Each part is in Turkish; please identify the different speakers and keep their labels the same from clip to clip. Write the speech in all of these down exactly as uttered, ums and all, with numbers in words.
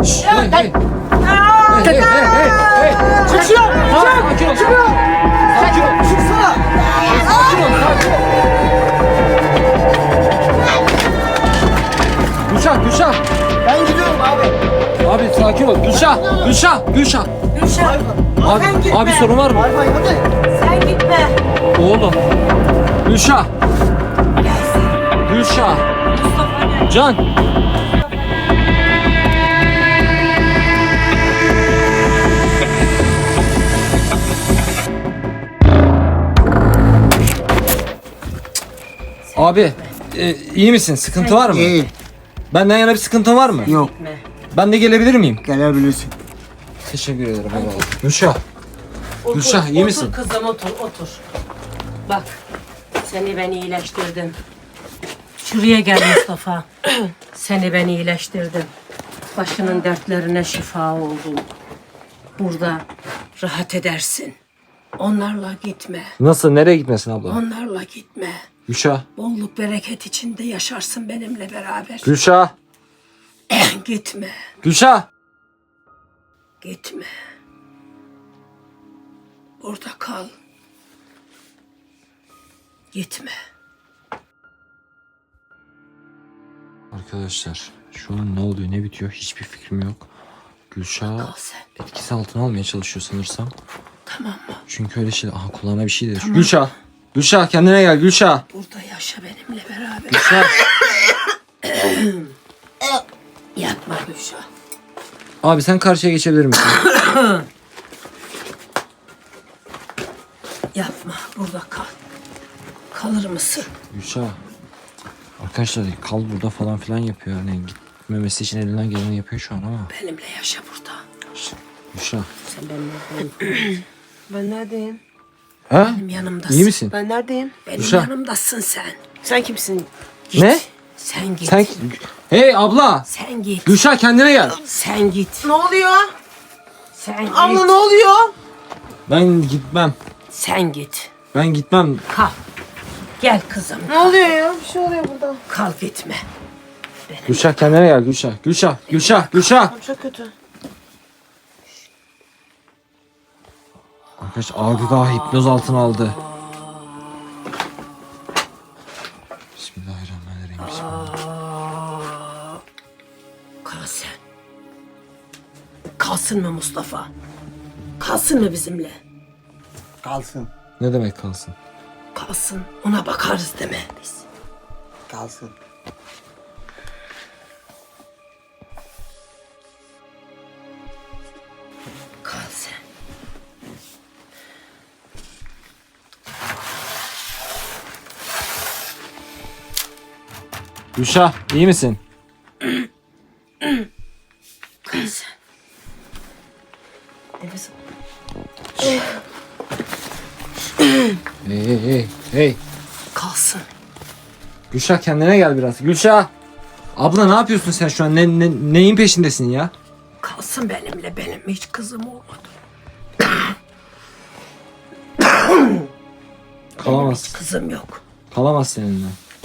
Speaker 1: Şşş. Hey hey. Hey hey hey hey.
Speaker 2: Çık şuradan.
Speaker 1: Sakin ol.
Speaker 2: Çık şuradan.
Speaker 1: Sakin ol.
Speaker 2: Çıksana.
Speaker 1: Sakin ol. Sakin ol. Gülşah, Gülşah.
Speaker 2: Ben gidiyorum abi.
Speaker 1: Abi sakin ol. Gülşah, Gülşah, Gülşah.
Speaker 3: Gülşah.
Speaker 1: Abi,
Speaker 3: Sen gitme.
Speaker 1: abi sorun var mı?
Speaker 2: Hayır hayır hadi.
Speaker 3: Sen gitme.
Speaker 1: Oğlum. Gülşah. Gülşah.
Speaker 3: Mustafa gel.
Speaker 1: Can. Abi, e, iyi misin? Sıkıntı var mı?
Speaker 2: İyi.
Speaker 1: Benden yana bir sıkıntın var mı?
Speaker 2: Yok.
Speaker 3: Gitme.
Speaker 1: Ben de gelebilir miyim?
Speaker 2: Gelebilirsin.
Speaker 1: Teşekkür ederim. Eyvallah. Gülşah.
Speaker 3: Otur,
Speaker 1: Gülşah, iyi misin?
Speaker 3: Otur kızım otur otur. Bak seni ben iyileştirdim. Şuraya gel Mustafa. Seni ben iyileştirdim. Başının dertlerine şifa oldun. Burada rahat edersin. Onlarla gitme.
Speaker 1: Nasıl? Nereye gitmesin abla?
Speaker 3: Onlarla gitme.
Speaker 1: Gülşah.
Speaker 3: Bolluk bereket içinde yaşarsın benimle beraber.
Speaker 1: Gülşah.
Speaker 3: Gitme.
Speaker 1: Gülşah.
Speaker 3: Gitme. Burada kal. Gitme.
Speaker 1: Arkadaşlar şu an ne oluyor ne bitiyor hiçbir fikrim yok. Gülşah
Speaker 3: Kal sen.
Speaker 1: etkisi altına almaya çalışıyor sanırsam.
Speaker 3: Tamam mı?
Speaker 1: Çünkü öyle şey... Aha kulağına bir şey dedi. Gülşah. Gülşah kendine gel Gülşah.
Speaker 3: Burada yaşa benimle beraber.
Speaker 1: Gülşah.
Speaker 3: Yapma Gülşah.
Speaker 1: Abi sen karşıya geçebilir misin?
Speaker 3: Yapma. Burada kal. Kalır mısın?
Speaker 1: Gülşah. Arkadaşlar kal burada falan filan yapıyor. Hani gitmemesi için elinden geleni yapıyor şu an ama.
Speaker 3: Benimle yaşa burada.
Speaker 1: Gülşah.
Speaker 3: Sen benimle
Speaker 4: Ben neredeyim?
Speaker 1: Ha?
Speaker 3: benim yanımdasın.
Speaker 1: İyi misin?
Speaker 4: Ben neredeyim?
Speaker 3: Benim
Speaker 1: Gülşah.
Speaker 3: yanımdasın sen.
Speaker 4: Sen kimsin?
Speaker 3: Git.
Speaker 1: Ne?
Speaker 3: Sen git.
Speaker 1: Sen... Hey abla.
Speaker 3: Sen git.
Speaker 1: Gülşah kendine gel.
Speaker 3: Sen git.
Speaker 4: Ne oluyor?
Speaker 3: Sen git.
Speaker 4: Abla ne oluyor?
Speaker 1: Ben gitmem.
Speaker 3: Sen git.
Speaker 1: Ben gitmem.
Speaker 3: Kal. Gel kızım.
Speaker 4: Ne oluyor ya? Bir şey oluyor burada.
Speaker 3: Kal gitme.
Speaker 1: Gülşah kendine gel Gülşah. Gülşah. Gülşah. Gülşah.
Speaker 4: Çok kötü.
Speaker 1: Arkadaş abi daha hipnoz altına aldı. Bismillahirrahmanirrahim. Bismillah.
Speaker 3: Kal sen. Kalsın mı Mustafa? Kalsın mı bizimle?
Speaker 2: Kalsın.
Speaker 1: Ne demek kalsın?
Speaker 3: Kalsın. Ona bakarız deme biz.
Speaker 2: Kalsın.
Speaker 3: Kal sen.
Speaker 1: Gülşah iyi misin?
Speaker 3: Kal sen.
Speaker 4: Nefes al.
Speaker 1: Hey hey hey. Hey.
Speaker 3: Kalsın.
Speaker 1: Gülşah kendine gel biraz. Gülşah. Abla ne yapıyorsun sen şu an? Ne, ne, neyin peşindesin ya?
Speaker 3: Kalsın benimle. Benim hiç kızım olmadı.
Speaker 1: Kalamaz.
Speaker 3: Kızım yok.
Speaker 1: Kalamaz seninle.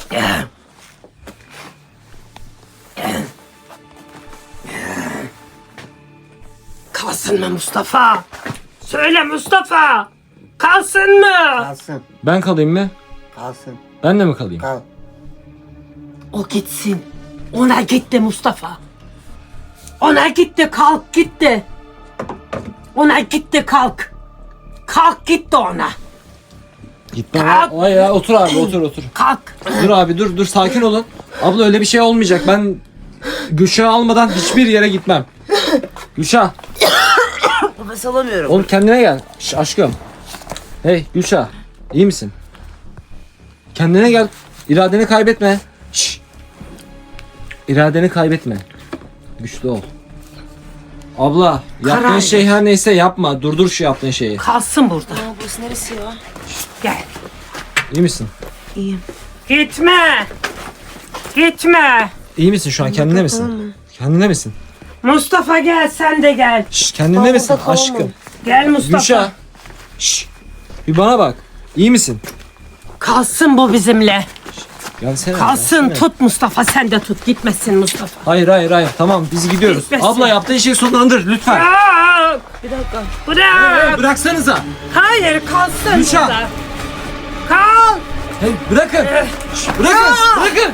Speaker 3: Kalsın mı Mustafa? Söyle Mustafa. Kalsın mı?
Speaker 2: Kalsın.
Speaker 1: Ben kalayım mı?
Speaker 2: Kalsın.
Speaker 1: Ben de mi kalayım?
Speaker 2: Kal.
Speaker 3: O gitsin. Ona gitti Mustafa. Ona gitti kalk gitti. Ona gitti kalk. Kalk gitti ona.
Speaker 1: Gitme.
Speaker 3: Kalk.
Speaker 1: Ay ya otur abi otur otur.
Speaker 3: Kalk.
Speaker 1: Dur abi dur dur sakin olun. Abla öyle bir şey olmayacak. Ben Gülşah'ı almadan hiçbir yere gitmem. Gülşah.
Speaker 4: Nefes alamıyorum.
Speaker 1: Oğlum kendine gel. Şş, aşkım. Hey Gülşah. İyi misin? Kendine gel. İradeni kaybetme. Şş. İradeni kaybetme. Güçlü ol. Abla yaptığın
Speaker 3: Karar
Speaker 1: şey
Speaker 3: ver.
Speaker 1: her neyse yapma. Durdur şu yaptığın şeyi.
Speaker 3: Kalsın burada.
Speaker 4: Aa, burası neresi ya?
Speaker 3: Gel.
Speaker 1: İyi misin?
Speaker 4: İyiyim.
Speaker 3: Gitme. Gitme.
Speaker 1: İyi misin şu an? Kendine misin? Kendine misin?
Speaker 3: Mustafa gel sen de gel.
Speaker 1: Şş, kendine
Speaker 4: Tamam,
Speaker 1: misin
Speaker 4: burada kalamam.
Speaker 1: aşkım?
Speaker 3: Gel Mustafa.
Speaker 1: Gülşah. Şş. Bir bana bak. İyi misin?
Speaker 3: Kalsın bu bizimle.
Speaker 1: Gelsene.
Speaker 3: Kalsın,
Speaker 1: gelsene.
Speaker 3: tut Mustafa, sen de tut. Gitmesin Mustafa.
Speaker 1: Hayır hayır hayır tamam biz gidiyoruz.
Speaker 3: Gitmesin.
Speaker 1: Abla yaptığın şeyi sonlandır lütfen.
Speaker 3: Bırak!
Speaker 4: Bir dakika.
Speaker 3: Bırak!
Speaker 1: Bıraksanıza.
Speaker 3: Hayır, kalsın
Speaker 1: Gülşah.
Speaker 3: burada. Kal!
Speaker 1: Hey, bırakın. Şş, bırakın. Bırakın.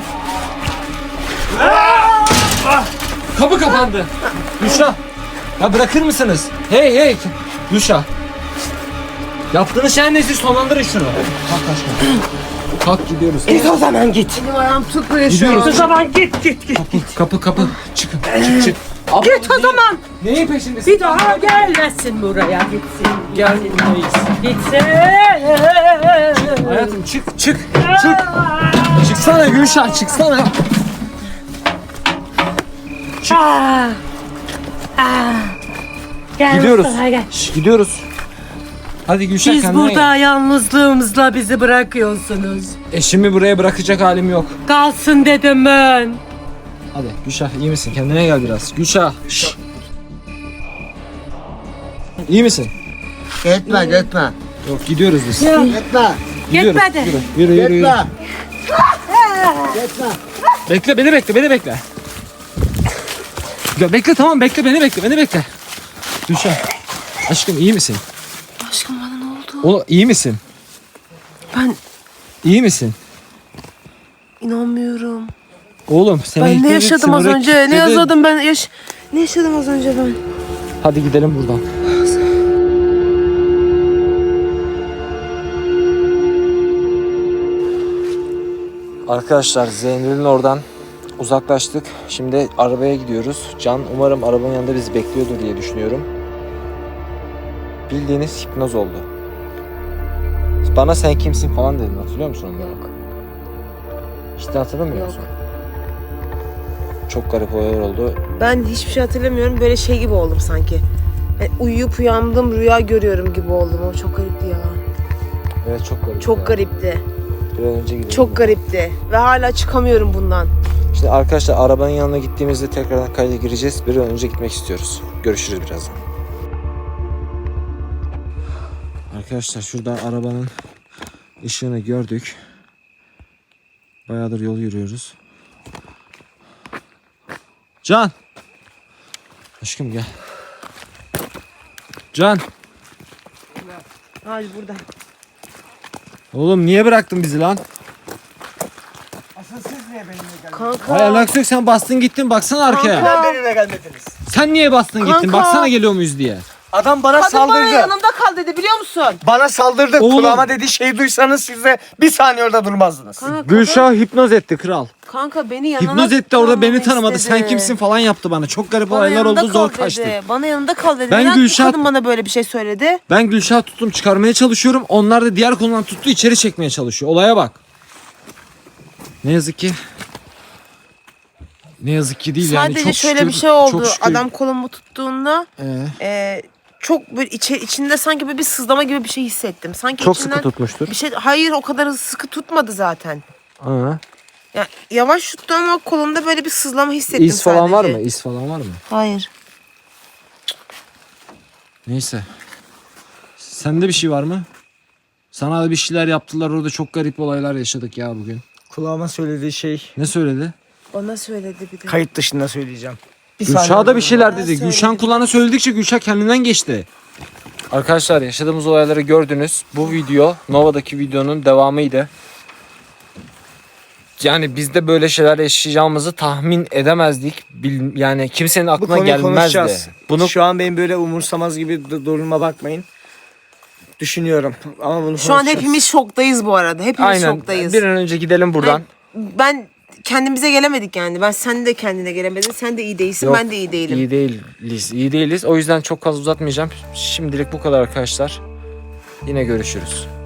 Speaker 1: Kapı kapandı. Gülşah. Ya bırakır mısınız? Hey hey. Gülşah. Yaptığınız şey neyse sonlandırın şunu. Kalk aşkım. Kalk gidiyoruz.
Speaker 3: Git o zaman git.
Speaker 4: Benim ayağım tutmuyor şu
Speaker 1: Gidiyoruz.
Speaker 3: O zaman git git git.
Speaker 1: Kapı kapı kapı. Çıkın. Çık çık. Abla,
Speaker 3: Git o
Speaker 1: neyi-
Speaker 3: zaman.
Speaker 1: Neyin peşindesin?
Speaker 3: Bir daha gelmesin buraya, gitsin.
Speaker 1: Gelmeyiz.
Speaker 3: Gitsin.
Speaker 1: Hayatım çık çık. Çık. Çıksana Gülşah çıksana.
Speaker 3: Ah. Ah. Gel
Speaker 1: Gidiyoruz.
Speaker 3: Mustafa, gel.
Speaker 1: Şş, gidiyoruz. Hadi Gülşah
Speaker 3: Siz
Speaker 1: kendine
Speaker 3: burada yalnızlığımızla bizi bırakıyorsunuz.
Speaker 1: gel. Eşimi buraya bırakacak halim yok.
Speaker 3: Kalsın dedim ben.
Speaker 1: Hadi Gülşah iyi misin? Kendine gel biraz. Gülşah. Şş. İyi misin?
Speaker 2: Gitme gitme.
Speaker 1: Yok gidiyoruz biz.
Speaker 3: Ya,
Speaker 2: Gitme.
Speaker 1: Gidiyoruz.
Speaker 3: Gitmedi.
Speaker 1: Yürü yürü yürü. yürü.
Speaker 2: Gitme. Gitme.
Speaker 1: Bekle beni bekle beni bekle. Ya bekle tamam bekle beni bekle beni bekle. Gülşah. Aşkım iyi misin?
Speaker 4: Aşkım bana ne oldu?
Speaker 1: O iyi misin?
Speaker 4: Ben
Speaker 1: İyi misin?
Speaker 4: inanmıyorum.
Speaker 1: Oğlum seni
Speaker 4: Ben ne
Speaker 1: ihtiyacın
Speaker 4: yaşadım az
Speaker 1: sınırı
Speaker 4: önce? Ne
Speaker 1: kilitledi.
Speaker 4: yaşadım ben? Yaş ne yaşadım az önce ben?
Speaker 1: Hadi gidelim buradan. Arkadaşlar Zeynel'in oradan uzaklaştık. Şimdi arabaya gidiyoruz. Can umarım arabanın yanında bizi bekliyordur diye düşünüyorum. Bildiğiniz hipnoz oldu. Bana sen kimsin falan dedin, hatırlıyor musun onları?
Speaker 4: Yok.
Speaker 1: İşte hatırlamıyor
Speaker 4: Yok.
Speaker 1: musun? Çok garip olaylar oldu.
Speaker 4: Ben hiçbir şey hatırlamıyorum. Böyle şey gibi oldum sanki. Yani uyuyup uyandım, rüya görüyorum gibi oldum. O çok garipti ya.
Speaker 1: Evet çok garip.
Speaker 4: Çok
Speaker 1: ya.
Speaker 4: garipti.
Speaker 1: Bir an önce gidelim.
Speaker 4: Çok garipti. Ve hala çıkamıyorum bundan.
Speaker 1: Şimdi arkadaşlar arabanın yanına gittiğimizde tekrardan kayda gireceğiz. Bir an önce gitmek istiyoruz. Görüşürüz birazdan. Arkadaşlar şurada arabanın ışığını gördük. Bayağıdır yol yürüyoruz. Can! Aşkım gel. Can!
Speaker 4: Hadi burada.
Speaker 1: Oğlum niye bıraktın bizi lan?
Speaker 2: Asıl siz niye benimle geldiniz?
Speaker 4: Kanka.
Speaker 1: Hay alakası yok, sen bastın gittin baksana arkaya.
Speaker 4: Kanka.
Speaker 2: Neden benimle gelmediniz?
Speaker 1: Sen niye bastın gittin
Speaker 4: Kanka.
Speaker 1: baksana geliyor muyuz diye.
Speaker 2: Adam bana
Speaker 4: Kadın bana
Speaker 2: saldırdı.
Speaker 4: yanımda kal dedi biliyor musun?
Speaker 2: Bana saldırdı.
Speaker 1: Oğlum.
Speaker 2: Kulağıma dediği şeyi duysanız siz de bir saniye orada durmazdınız.
Speaker 4: Kanka,
Speaker 1: Gülşah hipnoz etti kral.
Speaker 4: Kanka beni yanına
Speaker 1: Hipnoz etti orada, beni
Speaker 4: kalmamı
Speaker 1: tanımadı.
Speaker 4: istedi.
Speaker 1: Sen kimsin falan yaptı bana. Çok garip
Speaker 4: Bana
Speaker 1: olaylar
Speaker 4: yanında
Speaker 1: oldu, zor
Speaker 4: kal
Speaker 1: kaçtık.
Speaker 4: dedi. Bana yanında kal dedi.
Speaker 1: Ben
Speaker 4: Neden
Speaker 1: Gülşah-
Speaker 4: kadın bana böyle bir şey söyledi?
Speaker 1: Ben Gülşah tuttum çıkarmaya çalışıyorum. Onlar da diğer konudan tuttu içeri çekmeye çalışıyor. Olaya bak. Ne yazık ki. Ne yazık ki değil yani.
Speaker 4: Sadece
Speaker 1: Çok
Speaker 4: şöyle
Speaker 1: şükür-
Speaker 4: bir şey oldu.
Speaker 1: çok şükür-
Speaker 4: Adam kolumu tuttuğunda
Speaker 1: Ee,
Speaker 4: e, çok böyle içe, içinde sanki böyle bir sızlama gibi bir şey hissettim. Sanki
Speaker 1: çok
Speaker 4: içinden
Speaker 1: sıkı tutmuştur.
Speaker 4: bir şey. Hayır o kadar sıkı tutmadı zaten.
Speaker 1: Aa.
Speaker 4: Ya yavaş tuttu ama kolumda böyle bir sızlama hissettim
Speaker 1: İz falan
Speaker 4: sadece.
Speaker 1: var mı? İz falan var mı?
Speaker 4: Hayır.
Speaker 1: Neyse. Sende bir şey var mı? Sana da bir şeyler yaptılar orada, çok garip olaylar yaşadık ya bugün.
Speaker 2: Kulağıma söylediği şey
Speaker 1: Ne söyledi?
Speaker 4: Bana söyledi bir de.
Speaker 2: kayıt dışında söyleyeceğim. Bir
Speaker 1: Gülşah da bir şeyler
Speaker 4: Bana
Speaker 1: dedi.
Speaker 4: söyledi.
Speaker 1: Gülşah'ın kulağına söyledikçe Gülşah kendinden geçti. Arkadaşlar yaşadığımız olayları gördünüz. Bu video Nova'daki videonun devamıydı. Yani biz de böyle şeyler yaşayacağımızı tahmin edemezdik. Bil- Yani kimsenin
Speaker 2: Bu
Speaker 1: aklına
Speaker 2: konuyu
Speaker 1: gelmezdi.
Speaker 2: konuşacağız.
Speaker 1: Bunu
Speaker 2: Şu an benim böyle umursamaz gibi d- duruma bakmayın. Düşünüyorum ama bunu
Speaker 4: Şu an
Speaker 2: konuşacağız.
Speaker 4: hepimiz şoktayız bu arada. Hepimiz
Speaker 1: aynen
Speaker 4: şoktayız.
Speaker 1: bir an önce gidelim buradan.
Speaker 4: Ben kendimize gelemedik yani. Ben sen de kendine gelemedin. Sen de iyi değilsin.
Speaker 1: Yok,
Speaker 4: ben de iyi değilim.
Speaker 1: İyi değiliz. iyi değiliz. O yüzden çok fazla uzatmayacağım. Şimdilik bu kadar arkadaşlar. Yine görüşürüz.